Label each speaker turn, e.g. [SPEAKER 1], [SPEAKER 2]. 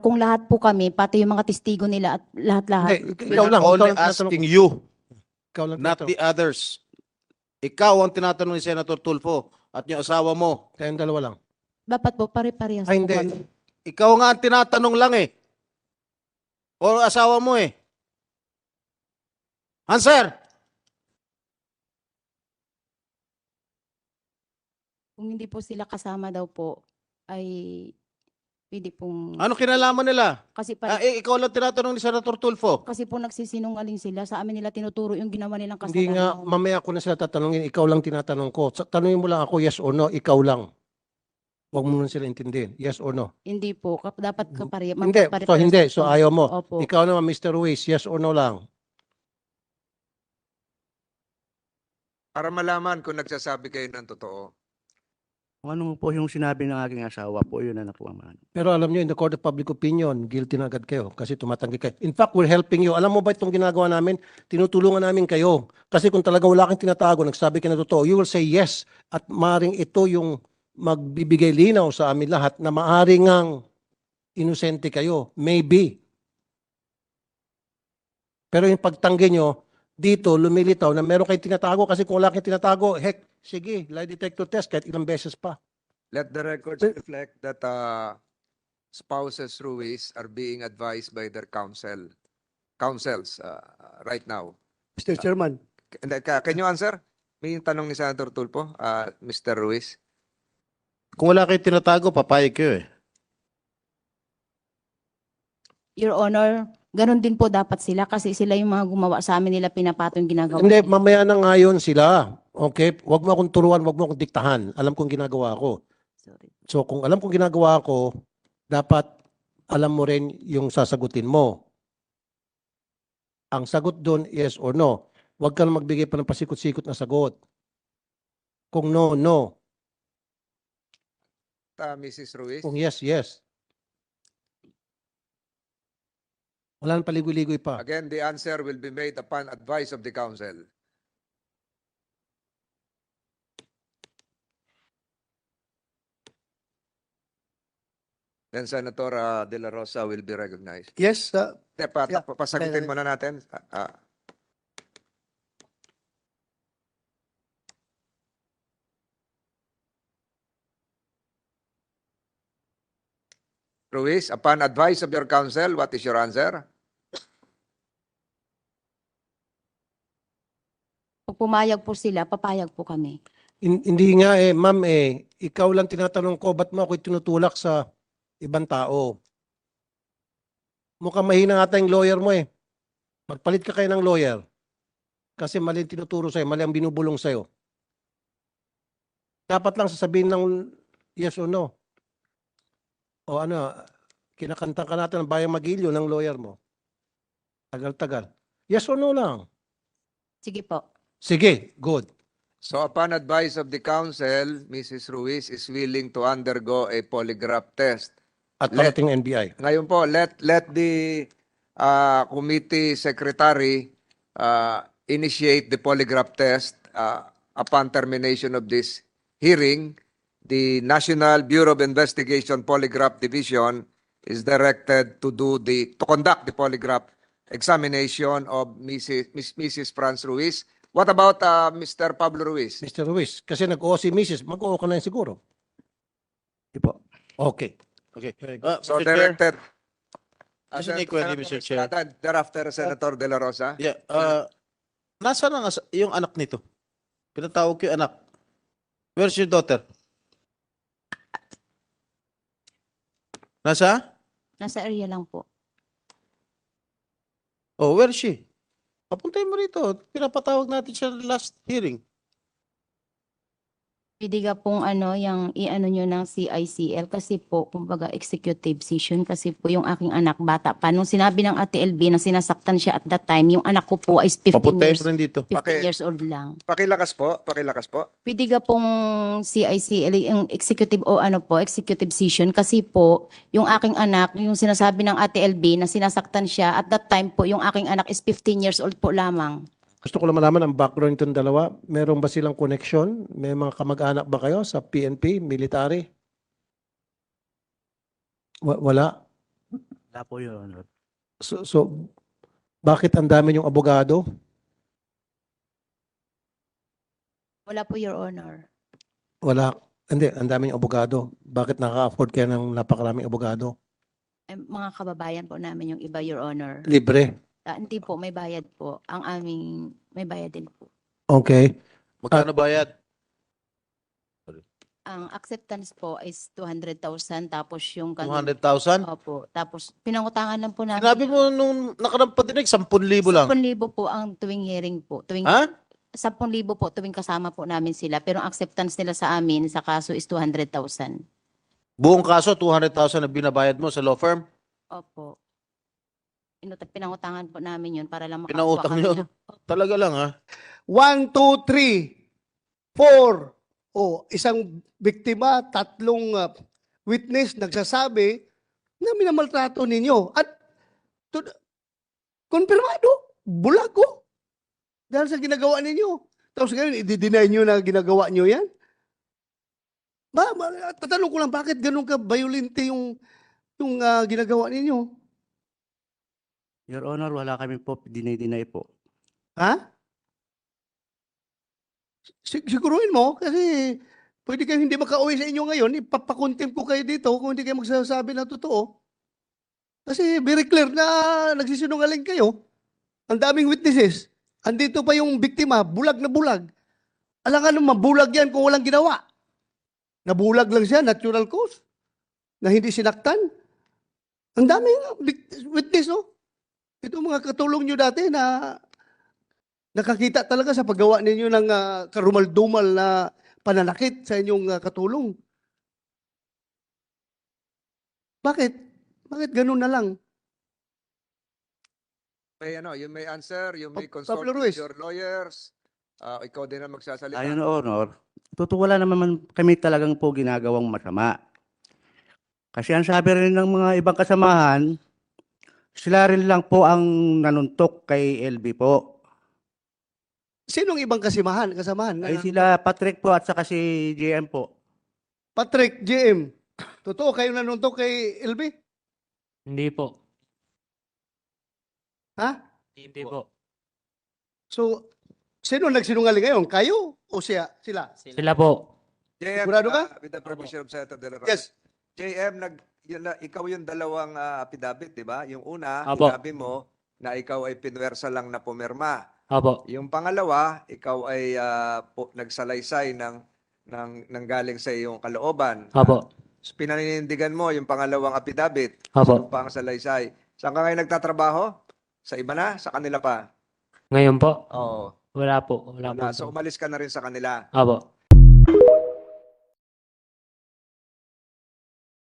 [SPEAKER 1] kung lahat po kami, pati yung mga testigo nila at lahat-lahat.
[SPEAKER 2] Hindi, ikaw lang.
[SPEAKER 3] Only
[SPEAKER 2] Ikaw lang tinatanong
[SPEAKER 3] asking
[SPEAKER 2] ko.
[SPEAKER 3] you,
[SPEAKER 2] Ikaw lang
[SPEAKER 3] not
[SPEAKER 2] tinatanong.
[SPEAKER 3] the others. Ikaw ang tinatanong ni Senator Tulfo at yung asawa mo.
[SPEAKER 2] Kayong dalawa lang.
[SPEAKER 1] Dapat po, pare-parehas
[SPEAKER 2] Ay,
[SPEAKER 1] po
[SPEAKER 2] hindi.
[SPEAKER 1] kami.
[SPEAKER 3] Ikaw nga ang tinatanong lang eh. O asawa mo eh. Answer!
[SPEAKER 1] Kung hindi po sila kasama daw po, ay pwede pong...
[SPEAKER 3] Ano kinalaman nila?
[SPEAKER 1] Kasi,
[SPEAKER 3] Ikaw lang tinatanong ni Senator Tulfo.
[SPEAKER 1] kasi po nagsisinungaling sila. Sa amin nila tinuturo yung ginawa nilang
[SPEAKER 2] Hindi nga,
[SPEAKER 1] kasalanan.
[SPEAKER 2] mamaya ko na sila tatanungin. Ikaw lang tinatanong ko. Tanungin mo lang ako, yes or no, ikaw lang. Huwag mo nun sila intindihin. Yes or no?
[SPEAKER 1] Hindi po. Dapat kapare.
[SPEAKER 2] Hindi. So, hindi. So, ayaw mo.
[SPEAKER 1] Opo.
[SPEAKER 2] Ikaw naman, Mr. Ruiz, yes or no lang.
[SPEAKER 4] Para malaman kung nagsasabi kayo ng totoo.
[SPEAKER 5] Kung ano po yung sinabi ng aking asawa po, yun ang nakuha man.
[SPEAKER 2] Pero alam nyo, in the court of public opinion, guilty na agad kayo kasi tumatanggi kayo. In fact, we're helping you. Alam mo ba itong ginagawa namin? Tinutulungan namin kayo. Kasi kung talaga wala kang tinatago, nagsabi ka na totoo, you will say yes. At maaaring ito yung magbibigay linaw sa amin lahat na maaaring ang inosente kayo. Maybe. Pero yung pagtanggi nyo, dito lumilitaw na meron kayong tinatago kasi kung wala kayong tinatago, heck, sige, lie detector test kahit ilang beses pa.
[SPEAKER 4] Let the records reflect that spouses Ruiz are being advised by their counsels right now.
[SPEAKER 5] Mr. Chairman,
[SPEAKER 4] Can you answer? May tanong ni Senator Tulfo, Mr. Ruiz.
[SPEAKER 3] Kung wala kayo tinatago, papayag kayo eh.
[SPEAKER 1] Your Honor, ganun din po dapat sila kasi sila yung mga gumawa sa amin nila pinapatong ginagawa.
[SPEAKER 2] Hindi,
[SPEAKER 1] nila.
[SPEAKER 2] mamaya na ngayon sila. Okay? Huwag mo akong turuan, huwag mo akong diktahan. Alam kong ginagawa ko.
[SPEAKER 1] Sorry.
[SPEAKER 2] So kung alam kong ginagawa ko, dapat alam mo rin yung sasagutin mo. Ang sagot doon, yes or no. Huwag ka na magbigay pa ng pasikot-sikot na sagot. Kung no, no.
[SPEAKER 4] Mrs. Ruiz.
[SPEAKER 2] Kung yes, yes. Wala nang paligoy-ligoy pa.
[SPEAKER 4] Again, the answer will be made upon advice of the counsel. Then Senator De La Rosa will be recognized.
[SPEAKER 5] yes, Yeah.
[SPEAKER 4] Pasagutin muna natin. Ruiz, upon advice of your counsel, what is your answer?
[SPEAKER 1] Pag pumayag po sila, papayag po kami.
[SPEAKER 2] Hindi nga eh, ma'am eh, ikaw lang tinatanong ko, ba't mo ako tinutulak sa ibang tao? Mukhang mahina ata yung lawyer mo eh. Magpalit ka kayo ng lawyer. Kasi mali ang tinuturo sa'yo, mali ang binubulong sa'yo. Dapat lang sasabihin ng yes or no. O ano, kinakanta ka natin ng Bayang Magilyo ng lawyer mo. Tagal-tagal. Yes or no lang.
[SPEAKER 1] Sige po.
[SPEAKER 2] Sige, good.
[SPEAKER 4] So upon advice of the counsel, Mrs. Ruiz is willing to undergo a polygraph test.
[SPEAKER 2] At
[SPEAKER 4] Let-
[SPEAKER 2] parating NBI.
[SPEAKER 4] Ngayon po, let the committee secretary initiate the polygraph test upon termination of this hearing. The National Bureau of Investigation Polygraph Division is directed to conduct the polygraph examination of Mrs. Franz Ruiz. What about Mr. Pablo Ruiz?
[SPEAKER 2] Mr. Ruiz, kasi nag-oo si Mrs. Mag-oo ka na yun siguro.
[SPEAKER 5] di po.
[SPEAKER 2] Okay.
[SPEAKER 3] Okay.
[SPEAKER 4] So
[SPEAKER 3] Mr. Chair,
[SPEAKER 4] directed.
[SPEAKER 3] Just a query, Mr. Chair.
[SPEAKER 4] Thereafter, Senator De La Rosa.
[SPEAKER 3] Yeah, nasaan ang yung anak nito? Pinatawag ko yung anak. Where's your daughter? Nasa?
[SPEAKER 1] Nasa area lang po.
[SPEAKER 3] Oh, where is she? Papuntay mo rito. Pinapatawag natin siya last hearing.
[SPEAKER 1] Pwede ka pong yung i-ano nyo ng CICL kasi po, kumbaga executive session kasi po yung aking anak bata pa. Nung sinabi ng Ate LB na sinasaktan siya at that time, yung anak ko po is 15
[SPEAKER 3] Papuntay
[SPEAKER 1] years,
[SPEAKER 3] mo rin dito.
[SPEAKER 1] 15 years old lang.
[SPEAKER 4] Pakilakas po, pakilakas po.
[SPEAKER 1] Pwede ka pong CICL, yung executive o executive session kasi po, yung aking anak, yung sinasabi ng Ate LB na sinasaktan siya at that time po, yung aking anak is 15 years old po lamang.
[SPEAKER 2] Gusto ko lang malaman ang background nitong dalawa. Meron ba silang connection? May mga kamag-anak ba kayo sa PNP, military? Wala.
[SPEAKER 5] Wala po, Your Honor.
[SPEAKER 2] So bakit ang dami yung abogado?
[SPEAKER 1] Wala po, Your Honor.
[SPEAKER 2] Wala. Hindi, ang dami yung abogado. Bakit nakaka-afford kayo ng napakaraming abogado?
[SPEAKER 1] Mga kababayan po namin yung iba, Your Honor.
[SPEAKER 2] Libre.
[SPEAKER 1] Hindi po, may bayad po. Ang aming, may bayad din po.
[SPEAKER 2] Okay.
[SPEAKER 3] Magkano bayad?
[SPEAKER 1] Ang acceptance po is 200,000 tapos yung
[SPEAKER 3] 200,000?
[SPEAKER 1] Opo. Tapos pinangutangan lang po namin.
[SPEAKER 3] Sinabi mo nung nakarang patinig, 10,000 lang.
[SPEAKER 1] 10,000 po ang tuwing hearing po.
[SPEAKER 3] Ha?
[SPEAKER 1] 10,000 po tuwing kasama po namin sila. Pero ang acceptance nila sa amin sa kaso is 200,000.
[SPEAKER 3] Buong kaso, 200,000 na binabayad mo sa law firm?
[SPEAKER 1] Opo. Pinangutangan po namin yun para lang makakuha
[SPEAKER 3] Pinautang
[SPEAKER 1] kami
[SPEAKER 3] nyo?
[SPEAKER 1] ng-
[SPEAKER 3] Talaga lang, ha?
[SPEAKER 6] 1, 2, 3, 4. O, isang biktima, 3 witness nagsasabi na minamaltrato ninyo. At konfirmado, bulag ko. Dahil sa ginagawa ninyo. Tapos ngayon, i-deny nyo na ginagawa nyo yan? Tatanong ko lang, bakit ganun ka violente yung ginagawa ninyo?
[SPEAKER 5] Your Honor, wala kami po, dinay-deny po.
[SPEAKER 6] Ha? Siguruhin mo kasi pwede kayo hindi makauwi sa inyo ngayon, ipapakontempt ko kayo dito kung hindi kayo magsasabi ng totoo. Kasi very clear na nagsisinungaling kayo. Ang daming witnesses. Andito pa yung biktima, bulag na bulag. Alangan naman, bulag yan kung walang ginawa. Nabulag lang siya, natural cause. Na hindi sinaktan. Ang daming witness, oh. Ito mga katulong nyo dati na nakakita talaga sa paggawa ninyo ng karumal-dumal na pananakit sa inyong katulong. Bakit? Bakit ganun na lang?
[SPEAKER 4] You may answer, you may
[SPEAKER 6] Pablo
[SPEAKER 4] consult
[SPEAKER 6] Ruiz.
[SPEAKER 4] with your lawyers. Ikaw din ang magsasalita.
[SPEAKER 5] Your Honor, totoo wala naman kami talagang po ginagawang masama. Kasi ang sabi rin ng mga ibang kasamahan, sila rin lang po ang nanuntok kay LB po.
[SPEAKER 6] Sinong ibang kasamahan?
[SPEAKER 5] Ay sila Patrick po at saka si JM po.
[SPEAKER 6] Patrick, JM. Totoo kayo nanuntok kay LB?
[SPEAKER 7] Hindi po.
[SPEAKER 6] Ha?
[SPEAKER 7] Hindi po.
[SPEAKER 6] So, sino nagsinungaling ngayon? Kayo o sila?
[SPEAKER 7] Sila po.
[SPEAKER 4] JM,
[SPEAKER 6] Sigurado ka?
[SPEAKER 4] with the permission of Senator De La Rosa.
[SPEAKER 6] Yes.
[SPEAKER 4] JM, ikaw yung dalawang affidavit, di ba? Yung una,
[SPEAKER 7] Apo.
[SPEAKER 4] sinabi mo na ikaw ay pinwersa lang na pumirma.
[SPEAKER 7] Opo.
[SPEAKER 4] Yung pangalawa, ikaw ay nagsalaysay ng galing sa iyong kalooban.
[SPEAKER 7] Opo.
[SPEAKER 4] Pinaninindigan mo yung pangalawang affidavit.
[SPEAKER 7] Opo.
[SPEAKER 4] Yung pang salaysay. Saan ka ngayon nagtatrabaho? Sa iba na? Sa kanila pa?
[SPEAKER 7] Ngayon po?
[SPEAKER 4] Oo.
[SPEAKER 7] Wala po. Wala po.
[SPEAKER 4] So umalis ka na rin sa kanila.
[SPEAKER 7] Opo.